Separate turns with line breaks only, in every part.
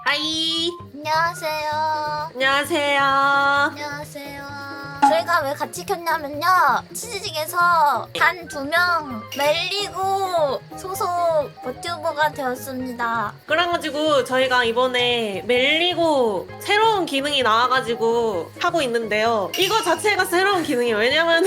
아이.
안녕하세요.
안녕하세요.
안녕하세요. 저희가 왜 같이 켰냐면요. 치즈직에서 단 2명 멜리고 소속 버튜버가 되었습니다.
그래가지고 저희가 이번에 멜리고 새로운 기능이 나와가지고 하고 있는데요. 이거 자체가 새로운 기능이에요. 왜냐면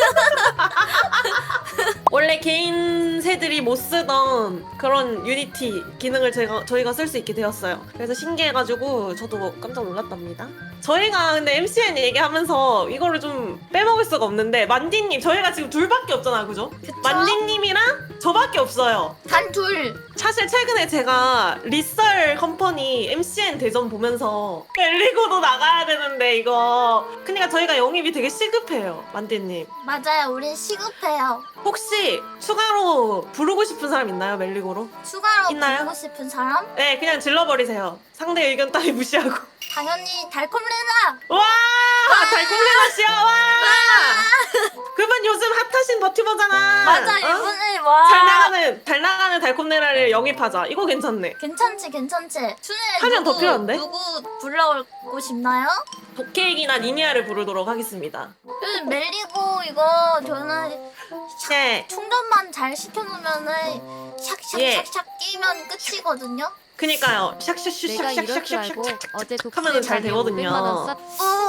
원래 개인 새들이 못 쓰던 그런 유니티 기능을 저희가 쓸 수 있게 되었어요. 그래서 신기해가지고 저도 깜짝 놀랐답니다. 저희가 근데 MCN 얘기하면서 이거를 좀 빼먹을 수가 없는데, 만디님 저희가 지금 둘밖에 없잖아요, 그죠?
그쵸?
만디님이랑 저밖에 없어요.
단 둘.
사실 최근에 제가 리썰 컴퍼니 MCN 대전 보면서 멜리고도 나가야 되는데 이거 그러니까 저희가 영입이 되게 시급해요, 만디님.
맞아요. 우린 시급해요.
혹시 추가로 부르고 싶은 사람 있나요, 멜리고로?
추가로
있나요?
부르고 싶은 사람?
네, 그냥 질러버리세요. 상대 의견 따위 무시하고.
당연히 달콤레나.
와! 달콤레나 씨야, 와! 그분 요즘 핫하신 버튜버잖아.
맞아.
어?
이분을 와.
잘 나가는 달콤레나를 영입하자. 이거 괜찮네.
괜찮지. 추는
하면 더 필요한데?
누구 불러오고 싶나요?
도케이기나 니니아를 부르도록 하겠습니다.
요즘 멜리고 이거 저는
네.
충전만 잘 시켜놓으면은 샥샥샥샥
예.
끼면 끝이거든요.
그니까요.
내가 이럴 줄 알고
샥샥샥샥샥샥
어제
하면은 잘 되거든요.
500만 원 쌌.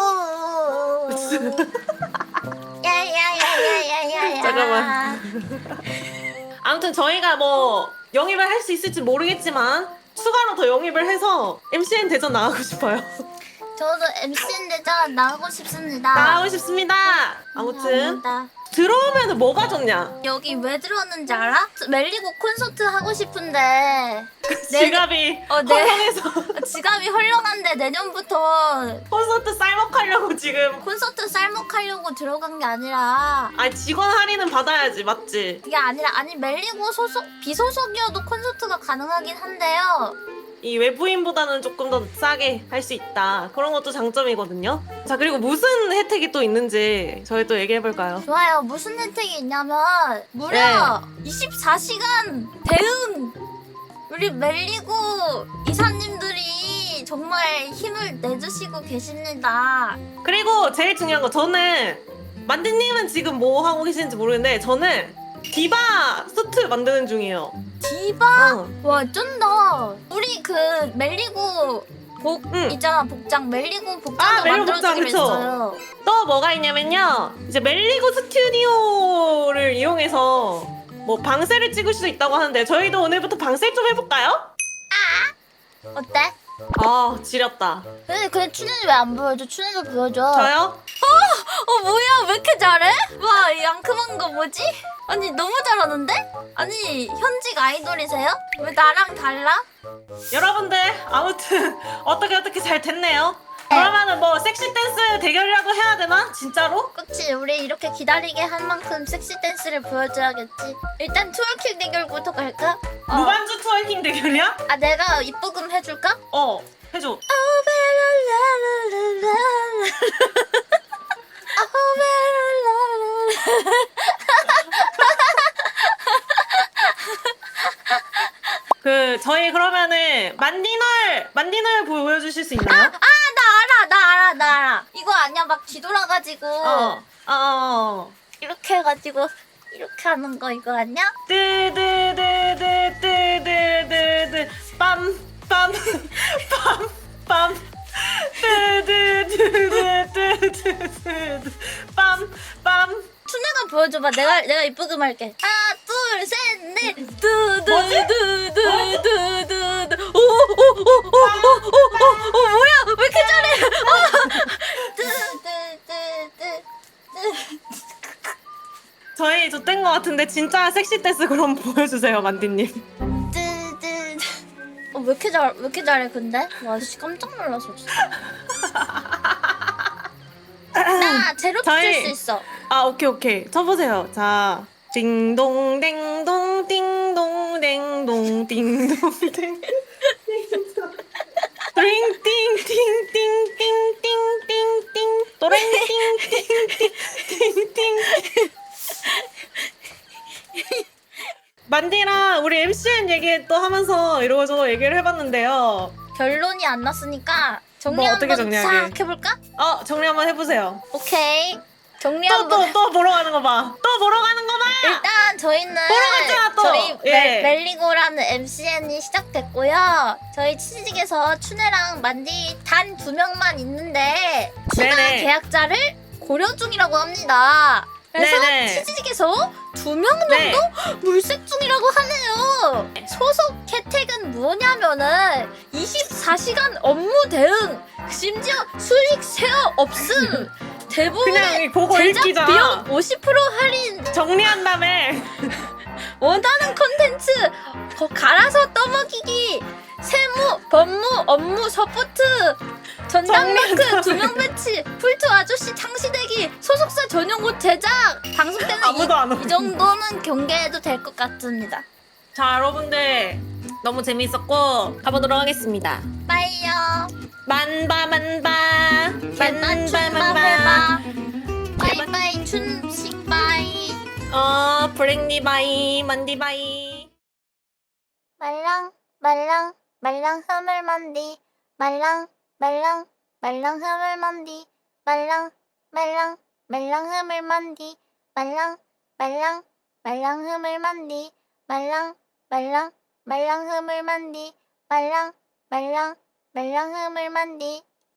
야야야야야야야.
잠깐만. 아무튼 저희가 뭐 영입을 할 수 있을지 모르겠지만 추가로 더 영입을 해서 MCN 대전 나가고 싶어요.
저도 MCN 대전 나가고 싶습니다.
나가고 싶습니다. 아무튼
감사합니다.
들어오면 뭐가 좋냐?
여기 왜 들어왔는지 알아? 멜리고 콘서트 하고 싶은데
지갑이
네.
헐렁해서
지갑이 헐렁한데 내년부터
콘서트 쌀먹하려고 지금.
콘서트 쌀먹하려고 들어간 게 아니라
직원 할인은 받아야지, 맞지?
그게 아니라 아니 멜리고 소속 비소속이어도 콘서트가 가능하긴 한데요.
이 외부인보다는 조금 더 싸게 할 수 있다. 그런 것도 장점이거든요. 자, 그리고 무슨 혜택이 또 있는지 저희 또 얘기해볼까요?
좋아요. 무슨 혜택이 있냐면 무려 24시간 대응. 우리 멜리고 이사님들이 정말 힘을 내주시고 계십니다.
그리고 제일 중요한 거, 저는 만디님은 지금 뭐 하고 계시는지 모르겠는데 저는 디바 수트 만드는 중이에요.
디바?
어.
와 쩐다. 우리 그 멜리고 복
응.
있잖아. 복장 멜리고
아,
복장도
멜리고 복장,
만들어주기로
그쵸?
했어요.
또 뭐가 있냐면요, 이제 멜리고 스튜디오를 이용해서 뭐 방세를 찍을 수도 있다고 하는데 저희도 오늘부터 방세 좀 해볼까요?
어때?
아, 지렸다.
근데 춘현이 왜 안 보여줘? 춘현도 보여줘.
저요?
뭐야 왜 이렇게 잘해? 와, 이 앙큼한 거 뭐지? 아니 너무 잘하는데? 아니 현직 아이돌이세요? 왜 나랑 달라?
여러분들 아무튼 어떻게 잘 됐네요. 그러면은 뭐 섹시 댄스 대결이라도 해야 되나? 진짜로?
그치, 우리 이렇게 기다리게 한 만큼 섹시 댄스를 보여줘야겠지. 일단 트월킹 대결부터 갈까?
무반주 트월킹 대결이야?
아, 내가 입부금 해줄까?
해줘. 저희 그러면은 만디널 보여주실 수 있나요?
나 알아. 이거 아니야? 막 뒤돌아가지고 이렇게 해가지고 이렇게 하는 거 이거 아니야?
뜨드드드드드드드 빰빰빰빰 뜨드드드드드드 빰빰.
춘혜가 보여줘봐. 내가 입부금 할게. 하나, 둘, 셋, 넷.
뭐지?
두두두두두두두. 오, 뭐야? 왜 이렇게 잘해? 두두두두.
저희 좆된 것 같은데 진짜 섹시 댄스 그럼 보여주세요, 만디님.
두두. 왜 이렇게 잘해 근데? 와, 씨, 깜짝 놀랐어 진짜. 나 제로
저희-
칠 수 있어.
아, 오케이. 쳐보세요. 자, 띵동 댕동 띵동 댕동 띵동 댕. 띵띵띵띵띵띵띵띵 또랭띵띵띵띵띵. 만디랑 우리 MCN 얘기 또 하면서 이러고저러 얘기를 해봤는데요.
결론이 안 났으니까 정리
뭐 어떻게
한번
정리하게?
싹 해볼까?
정리 한번 해보세요.
오케이. 정리 한번.
또 보러 가는 거 봐. 또 보러 가는 거 봐.
일단 저희는
보러 갔잖아, 또.
저희
예.
멜리고라는 MCN이 시작됐고요. 저희 치즈직에서 춘혜랑 만디 단 2명만 있는데 추가
네네.
계약자를 고려 중이라고 합니다. 그래서
네네.
치즈직에서 2명 정도
네.
물색 중이라고 하네요. 소속 혜택은 뭐냐면은 24시간 업무 대응, 심지어 수익 쉐어 없음. 대부분의
그냥 보고
제작
읽기잖아.
비용 50% 할인,
정리한 다음에
원하는 콘텐츠 갈아서 떠먹이기, 세무, 법무, 업무 서포트, 전담마크
정리한
2명 배치, 풀투 아저씨 창시대기, 소속사 전용 옷 제작. 방송 때는
아무도 안
이
오고.
정도는 경계해도 될 것 같습니다.
자, 여러분들 너무 재밌었고 가보도록 하겠습니다.
빠이요.
만바
개나 춘바 해봐. 바이바이 춘식 바이.
브랭니 바이, 만디 바이.
말랑 흐물만디, 말랑 흐물만디, 말랑 흐물만디, 말랑 흐물만디, 말랑 흐물만디, 말랑 흐물만디.